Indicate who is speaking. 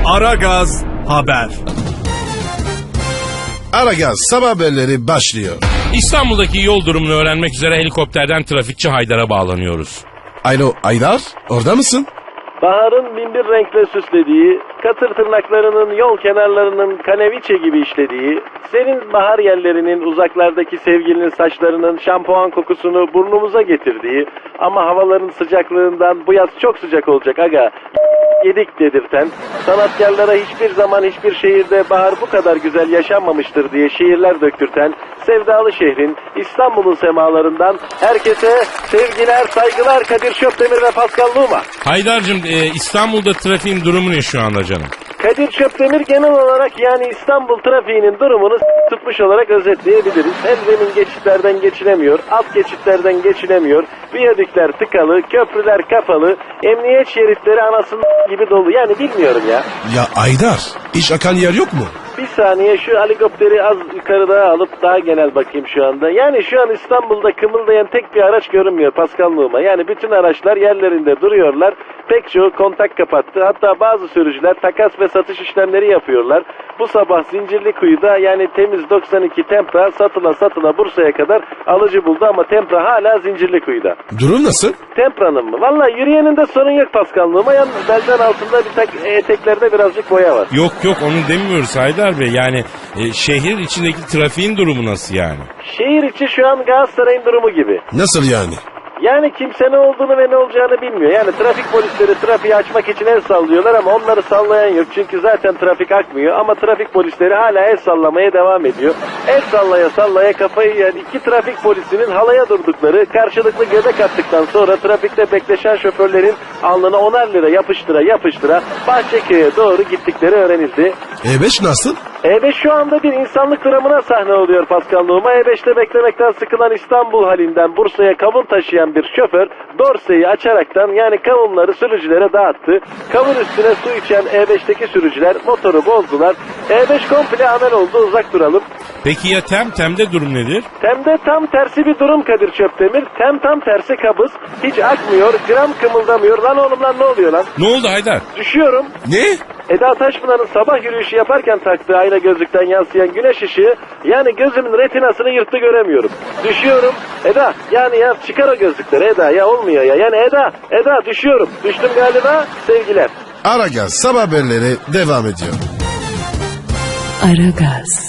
Speaker 1: Aragaz Haber.
Speaker 2: Aragaz sabah haberleri başlıyor.
Speaker 3: İstanbul'daki yol durumunu öğrenmek üzere helikopterden trafikçi Haydar'a bağlanıyoruz.
Speaker 2: Alo Aydar, orada mısın?
Speaker 4: Baharın binbir renkle süslediği, katır tırnaklarının yol kenarlarının kaneviçe gibi işlediği, senin bahar yerlerinin uzaklardaki sevgilinin saçlarının şampuan kokusunu burnumuza getirdiği ama havaların sıcaklığından bu yaz çok sıcak olacak aga yedik dedirten, sanatkarlara hiçbir zaman hiçbir şehirde bahar bu kadar güzel yaşanmamıştır diye şiirler döktürten sevdalı şehrin İstanbul'un semalarından herkese sevgiler, saygılar Kadir Şöpdemir ve Pascal Numa.
Speaker 3: Haydar'cığım İstanbul'da trafiğin durumu ne şu anda canım?
Speaker 4: Kadir Şöpdemir genel olarak yani İstanbul trafiğinin durumunu tutmuş olarak özetleyebiliriz. Hem zemin geçitlerden geçilemiyor, alt geçitlerden geçilemiyor, viyadükler tıkalı, köprüler kapalı, emniyet şeritleri anasının gibi dolu. Yani bilmiyorum ya.
Speaker 2: Ya Aydar, hiç akan yer yok mu?
Speaker 4: Bir saniye şu helikopteri az yukarıda alıp daha genel bakayım şu anda. Yani şu an İstanbul'da kımıldayan tek bir araç görünmüyor Pascal Numa. Yani bütün araçlar yerlerinde duruyorlar. Pek çoğu kontak kapattı. Hatta bazı sürücüler takas ve satış işlemleri yapıyorlar. Bu sabah Zincirlikuyu'da yani temiz 92 Tempra satıla Bursa'ya kadar alıcı buldu ama Tempra hala Zincirlikuyu'da.
Speaker 2: Durum nasıl?
Speaker 4: Tempra'nın mı? Vallahi yürüyeninde sorun yok Pascal Numa. Yalnız belden altında eteklerde birazcık boya var.
Speaker 3: Yok onu demiyoruz Haydar Bey. Yani şehir içindeki trafiğin durumu nasıl yani?
Speaker 4: Şehir içi şu an Galatasaray'ın durumu gibi.
Speaker 2: Nasıl yani?
Speaker 4: Yani kimse ne olduğunu ve ne olacağını bilmiyor. Yani trafik polisleri trafiği açmak için el sallıyorlar ama onları sallayan yok. Çünkü zaten trafik akmıyor ama trafik polisleri hala el sallamaya devam ediyor. El sallaya kafayı yiyen iki trafik polisinin halaya durdukları, karşılıklı göbek attıktan sonra trafikte bekleşen şoförlerin alnına 10'ar lira yapıştıra Bahçeköy'e doğru gittikleri öğrenildi.
Speaker 2: E5 nasıl?
Speaker 4: E5 şu anda bir insanlık dramına sahne oluyor Pascal Numa. E5'te beklemekten sıkılan İstanbul halinden Bursa'ya kavun taşıyan bir şoför dorseyi açaraktan yani kavunları sürücülere dağıttı. Kavun üstüne su içen E5'teki sürücüler motoru bozdular. E5 komple amel oldu, uzak duralım.
Speaker 3: Peki ya Tem'de durum nedir?
Speaker 4: Tem'de tam tersi bir durum Kadir Şöpdemir. Tem tam tersi kabız. Hiç akmıyor, gram kımıldamıyor. Lan oğlum lan ne oluyor lan?
Speaker 3: Ne oldu Haydar?
Speaker 4: Düşüyorum.
Speaker 2: Ne?
Speaker 4: Eda Taşpınar'ın sabah yürüyüşü yaparken taktığı ayna gözlükten yansıyan güneş ışığı yani gözümün retinasını yırttı göremiyorum. Düşüyorum. Eda yani ya çıkar o gözlükleri Eda ya olmuyor ya. Yani Eda düşüyorum. Düştüm galiba sevgiler.
Speaker 2: Aragaz sabah haberleri devam ediyor.
Speaker 5: Aragaz.